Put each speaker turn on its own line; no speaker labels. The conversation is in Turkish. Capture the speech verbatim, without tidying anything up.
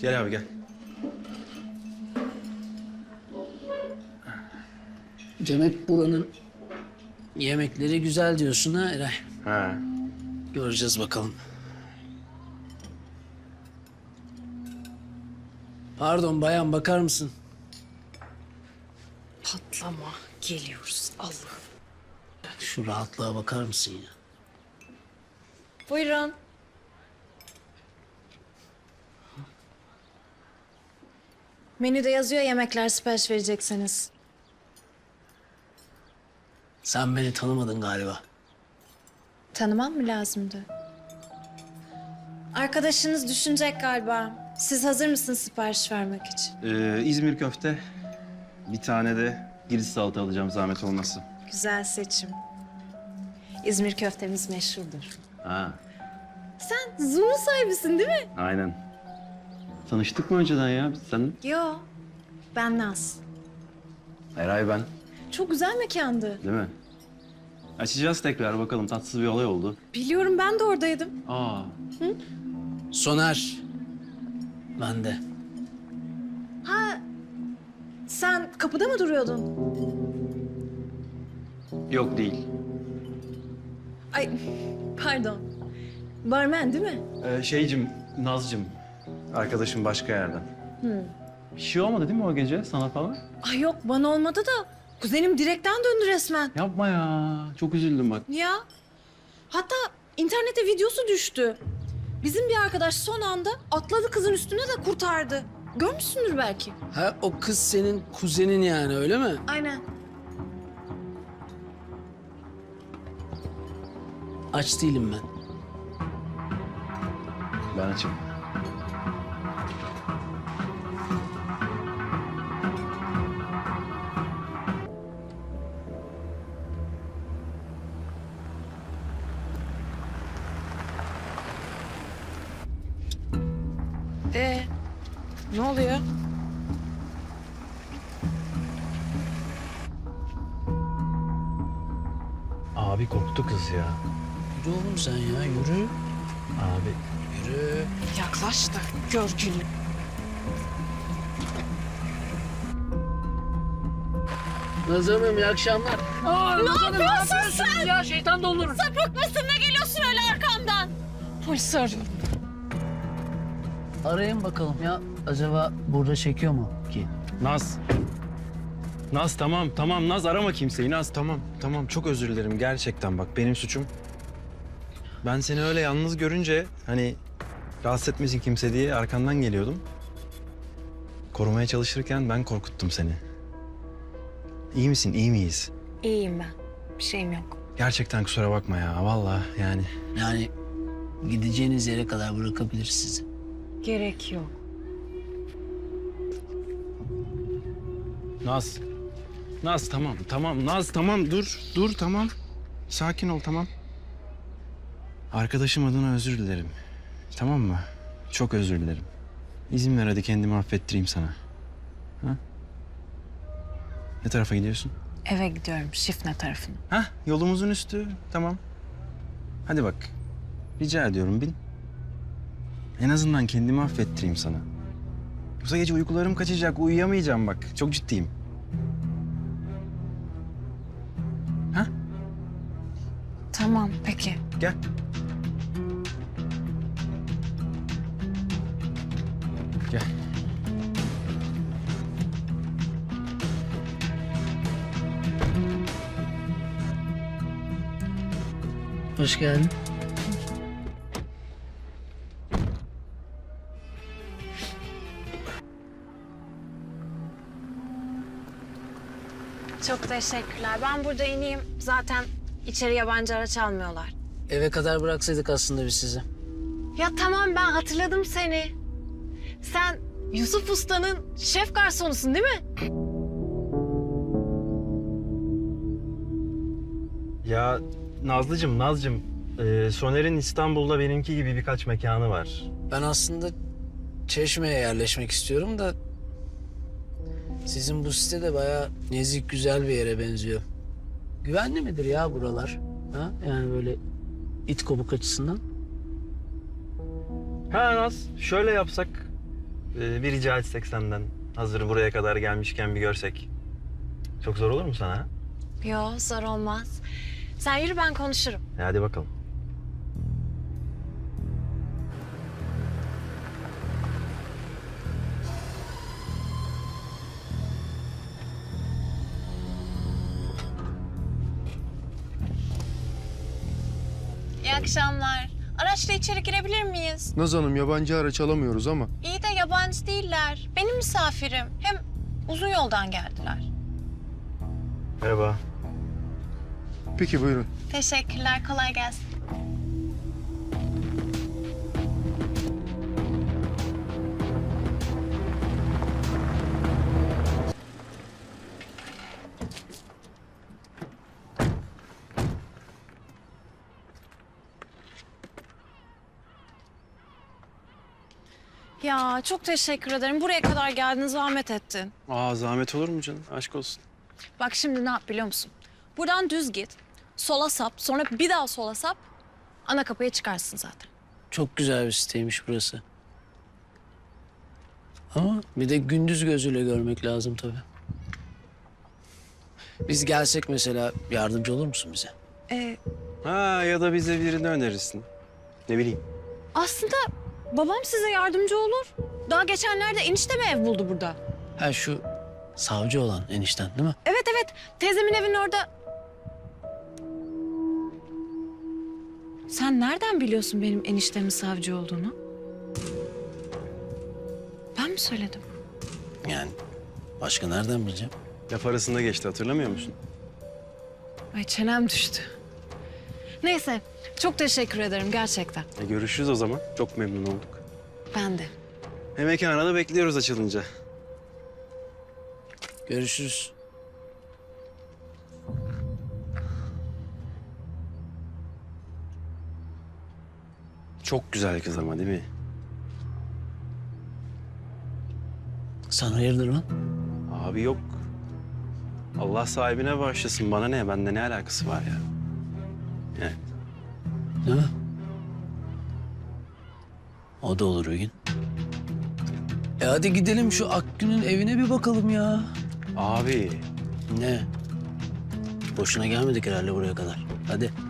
Gel abi gel.
Demek buranın yemekleri güzel diyorsun ha Eray?
Ha.
Göreceğiz bakalım. Pardon bayan, bakar mısın?
Patlama. Geliyoruz. Allah.
Şu rahatlığa bakar mısın ya?
Buyurun. Menüde yazıyor yemekler sipariş verecekseniz.
Sen beni tanımadın galiba.
Tanımam mı lazımdı? Arkadaşınız düşünecek galiba. Siz hazır mısınız sipariş vermek için?
Ee, İzmir köfte. Bir tane de giriş salata alacağım zahmet olmasın.
Güzel seçim. İzmir köftemiz meşhurdur.
Ha.
Sen Zoom'un sahibisin değil mi?
Aynen. Tanıştık mı önceden ya biz seninle?
Yo. Ben Naz.
Eray ben.
Çok güzel mekandı.
Değil mi? Açacağız tekrar bakalım. Tatsız bir olay oldu.
Biliyorum, ben de oradaydım.
Aa.
Soner. Ben de.
Ha, sen kapıda mı duruyordun?
Yok değil.
Ay, pardon. Barmen değil mi?
Ee, şeycim, Nazcım. Arkadaşım başka yerden. Bir şey olmadı değil mi o gece sana falan?
Ay yok, bana olmadı da kuzenim direkten döndü resmen.
Yapma ya. Çok üzüldüm bak.
Ya. Hatta internete videosu düştü. Bizim bir arkadaş son anda atladı kızın üstüne de kurtardı. Görmüşsündür belki.
Ha, o kız senin kuzenin yani, öyle mi?
Aynen.
Aç değilim ben.
Ben açım.
Ee, ne oluyor?
Abi korktu kız ya.
Yürü oğlum sen ya, yürü.
Abi.
Yürü.
Yaklaş da gör günü.
Naz Hanım, iyi akşamlar. Aa, Naz Hanım, ne yapıyorsunuz ya? Şeytan doldurun.
Sapık mısın, ne geliyorsun öyle arkamdan? Polisi arıyorum.
Arayın bakalım ya. Acaba burada çekiyor mu ki?
Naz. Naz tamam tamam Naz arama kimseyi Naz tamam tamam çok özür dilerim gerçekten bak benim suçum. Ben seni öyle yalnız görünce hani rahatsız etmesin kimse diye arkandan geliyordum. Korumaya çalışırken ben korkuttum seni. İyi misin iyi miyiz?
İyiyim ben. Bir şeyim yok.
Gerçekten kusura bakma ya vallahi yani.
Yani gideceğiniz yere kadar bırakabilir sizi.
Gerek yok.
Naz. Naz tamam tamam Naz tamam dur dur tamam. Sakin ol tamam. Arkadaşım adına özür dilerim. Tamam mı? Çok özür dilerim. İzin ver hadi kendimi affettireyim sana. Ha? Ne tarafa gidiyorsun?
Eve gidiyorum, Şifne tarafına.
Ha, yolumuzun üstü. Tamam. Hadi bak. Rica ediyorum bin. En azından kendimi affettireyim sana. Yoksa gece uykularım kaçacak, uyuyamayacağım bak. Çok ciddiyim. Ha?
Tamam, peki.
Gel. Gel.
Hoş geldin.
Çok teşekkürler. Ben burada ineyim. Zaten içeri yabancı araç almıyorlar.
Eve kadar bıraksaydık aslında biz sizi.
Ya tamam, ben hatırladım seni. Sen Yusuf Usta'nın şef garsonusun değil mi?
Ya Nazlıcığım, Nazcığım. E, Soner'in İstanbul'da benimki gibi birkaç mekanı var.
Ben aslında Çeşme'ye yerleşmek istiyorum da... sizin bu site de bayağı nezik, güzel bir yere benziyor. Güvenli midir ya buralar? Ha? Yani böyle it kopuk açısından.
Ha Naz, şöyle yapsak. Ee, bir rica etsek senden. Hazır buraya kadar gelmişken bir görsek. Çok zor olur mu sana? Ha?
Yo, zor olmaz. Sen yürü, ben konuşurum.
E, hadi bakalım.
İyi akşamlar. Araçla içeri girebilir miyiz?
Naz Hanım yabancı araç alamıyoruz ama.
İyi de yabancı değiller. Benim misafirim. Hem uzun yoldan geldiler.
Merhaba.
Peki buyurun.
Teşekkürler. Kolay gelsin.
Ya çok teşekkür ederim. Buraya kadar geldin, zahmet ettin.
Aa zahmet olur mu canım? Aşk olsun.
Bak şimdi ne yap biliyor musun? Buradan düz git, sola sap, sonra bir daha sola sap. Ana kapıya çıkarsın zaten.
Çok güzel bir siteymiş burası. Ama bir de gündüz gözüyle görmek lazım tabii. Biz gelsek mesela yardımcı olur musun bize?
Ee,
Ha ya da bize birini önerirsin. Ne bileyim.
aslında babam size yardımcı olur. Daha geçenlerde enişte mi ev buldu burada?
Ha şu savcı olan enişten değil mi?
Evet evet, teyzemin evinin orada. Sen nereden biliyorsun benim eniştemin savcı olduğunu? Ben mi söyledim?
Yani başka nereden bileceğim?
Laf arasında geçti hatırlamıyor musun?
Ay çenem düştü. Neyse, çok teşekkür ederim gerçekten.
E, görüşürüz o zaman. Çok memnun olduk.
Ben de.
Mekana da bekliyoruz açılınca.
Görüşürüz.
Çok güzel kız ama değil mi?
Sen hayırdır lan?
Abi yok. Allah sahibine bağışlasın. Bana ne? Bende ne alakası var ya? Yani
Değil mi? O da olur bir gün. E hadi gidelim şu Akgün'ün evine bir bakalım ya.
abi
Ne? Boşuna gelmedik herhalde buraya kadar. Hadi.